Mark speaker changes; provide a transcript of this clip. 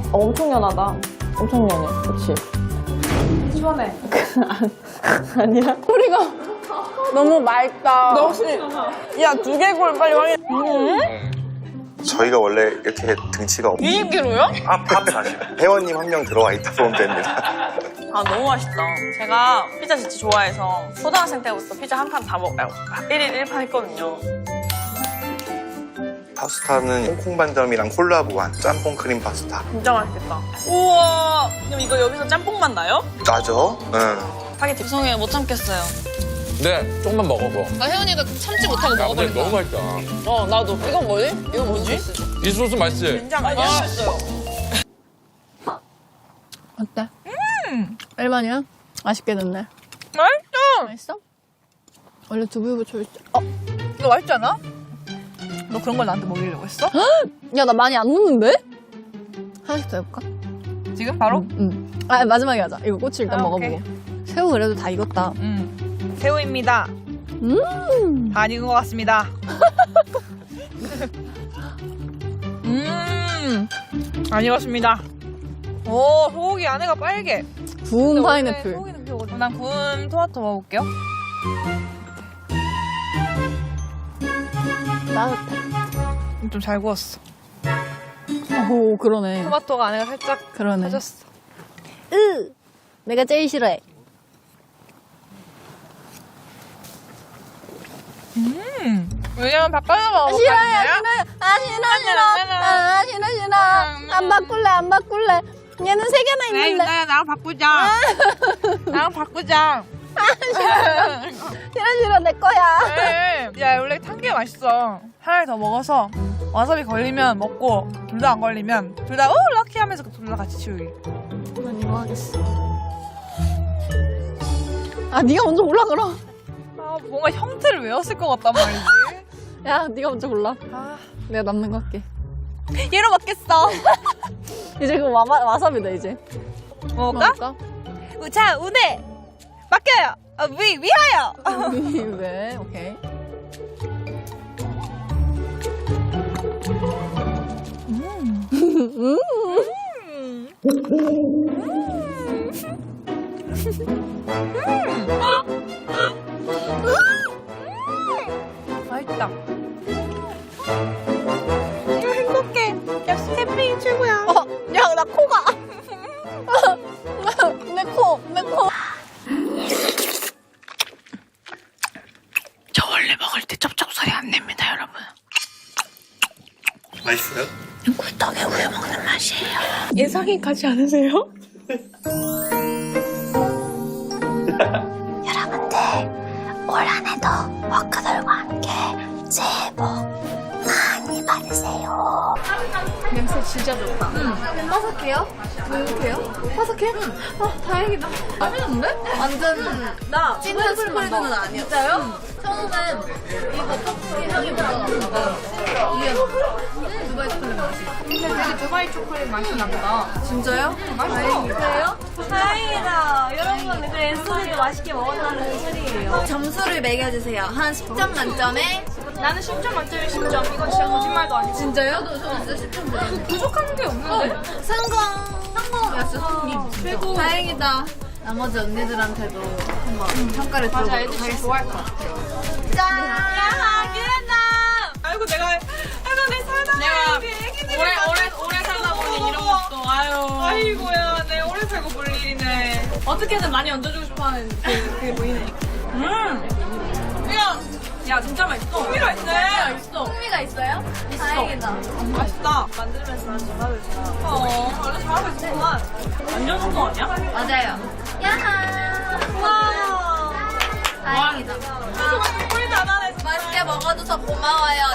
Speaker 1: 엄청 연하다. 엄청 연해. 그치?
Speaker 2: 시원해.
Speaker 1: 아니야?
Speaker 2: 소리가 너무 맑다.
Speaker 1: 너 혹시 야 두개골 빨리 확인.
Speaker 3: 저희가 원래 이렇게 등치가
Speaker 1: 20kg요?
Speaker 3: 앞에 가시면 회원님 한 명 들어와 있다 보면 됩니다.
Speaker 1: 아 너무 맛있다. 제가 피자 진짜 좋아해서 초등학생 때부터 피자 한 판 다 먹어요. 1일 1판 했거든요.
Speaker 3: 파스타는 홍콩 반점이랑 콜라보한 짬뽕 크림 파스타.
Speaker 1: 진짜 맛있겠다. 우와. 그럼 이거 여기서 짬뽕만 나요?
Speaker 3: 나죠? 응.
Speaker 1: 파게티. 죄송해요 못 참겠어요.
Speaker 4: 네, 조금만 먹어봐.
Speaker 1: 아 혜원이가 참지 못하고
Speaker 4: 야, 근데
Speaker 1: 먹어버린다.
Speaker 4: 너무 맛있다.
Speaker 1: 어 나도. 이건 뭐지? 이거 뭐지?
Speaker 4: 이 소스 맛있지?
Speaker 1: 된장 아니야? 맛있어요.
Speaker 2: 어때? 얼마냐? 맛있게 됐네.
Speaker 1: 맛있어.
Speaker 2: 맛있어? 원래 두부부쳐 있지.
Speaker 1: 이거 맛있지 않아? 너 그런 걸 나한테 먹이려고 했어?
Speaker 2: 야, 나 많이 안 넣는데? 하나씩 더 해볼까?
Speaker 1: 지금 바로?
Speaker 2: 응. 아, 마지막에 하자. 이거 꼬치 일단
Speaker 1: 아,
Speaker 2: 먹어보고. 새우 그래도 다 익었다.
Speaker 1: 새우입니다. 다 익은 것 같습니다. 안 익었습니다. 오, 소고기 안에가 빨개.
Speaker 2: 구운 파인애플.
Speaker 1: 난 구운 토마토 먹어볼게요.
Speaker 2: 따뜻해.
Speaker 1: 좀 잘 구웠어.
Speaker 2: 오, 그러네.
Speaker 1: 토마토가 안에가 살짝
Speaker 2: 그러네.
Speaker 1: 터졌어.
Speaker 2: 내가 제일 싫어해.
Speaker 1: 왜냐면 바꿔서 먹어볼까?
Speaker 2: 싫어. 안 바꿀래. 얘는 3개나 있는데.
Speaker 1: 유나야 나랑 바꾸자. 나랑 바꾸자.
Speaker 2: 싫어, 내 거야.
Speaker 1: 야 원래 탄 게 맛있어. 하나를 더 먹어서 와사비 걸리면 먹고 둘 다 안 걸리면 둘 다 럭키 하면서 둘 다 같이 치우기.
Speaker 2: 난 이거 하겠어. 아, 네가 먼저 골라, 그럼.
Speaker 1: 아 뭔가 형태를 외웠을 것 같단 말이지.
Speaker 2: 야, 네가 먼저 골라.
Speaker 1: 아
Speaker 2: 내가 남는 거 할게.
Speaker 1: 얘로 먹겠어.
Speaker 2: 이제 그거 와사비다, 이제.
Speaker 1: 먹을까? 자 운해 맡겨요. 위하여.
Speaker 2: 왜? 오케이.
Speaker 1: 맛있다. 행복해. 역시 캠핑이 최고야.
Speaker 2: 야, 나 코가. 내 코.
Speaker 1: 저 원래 먹을 때 쩝쩝 소리 안 냅니다, 여러분.
Speaker 3: 맛있어요?
Speaker 1: 꿀떡에 우유 먹는 맛이에요. 예상이 가지 않으세요?
Speaker 5: 여러분들 올 한해도 워크들과 함께 새해 복 많이 받으세요.
Speaker 2: 냄새 진짜 좋다. 바삭해요? 눅눅해요? 바삭해? 다행이다. 맛있는데? 완전 나 찐한 스프레드는 아니었어. 진짜요? 처음엔 이거 떡볶이 향이 나다가 이게 두바이 초콜릿 맛이. 근데 되게 두바이 초콜릿 맛이 난다. 진짜요? 맛있어. 그래요?
Speaker 5: 다행이다. 여러분, 그래, 소리도 맛있게 먹었다는 소리예요. 점수를 매겨주세요. 한 10점 만점에.
Speaker 2: 나는 10점 만점에 10점. 이건 진짜 거짓말도 아니고. 진짜요? 저도 진짜 10점 드렸는데. 부족한 게 없는데? 성공이었어, 성공. 최고. 다행이다. 나머지 언니들한테도 한번 평가를 들어보도록 하겠습니다. 애들 진짜 좋아할 것 같아요.
Speaker 5: 짠!
Speaker 1: 야, 기회다! 아이고, 내가 내 살다 오래 살다 보니 이런 것도, 아이고야, 내 오래 살고 볼 일이네. 어떻게든 많이 얹어주고 싶어 하는 그게 보이네. 야, 진짜 맛있어. 흥미가 있네. 있어.
Speaker 2: 흥미가 있어요?
Speaker 5: 다행이다.
Speaker 1: 맛있다. 만들면서 난 잘하고 있어. 원래 잘하고 있었구만. 완전 성공 아니야?
Speaker 5: 맞아요. 야하!
Speaker 1: 와.
Speaker 5: 다행이다.
Speaker 1: 꿀 다 나네.
Speaker 5: 맛있게 먹어줘서 고마워요.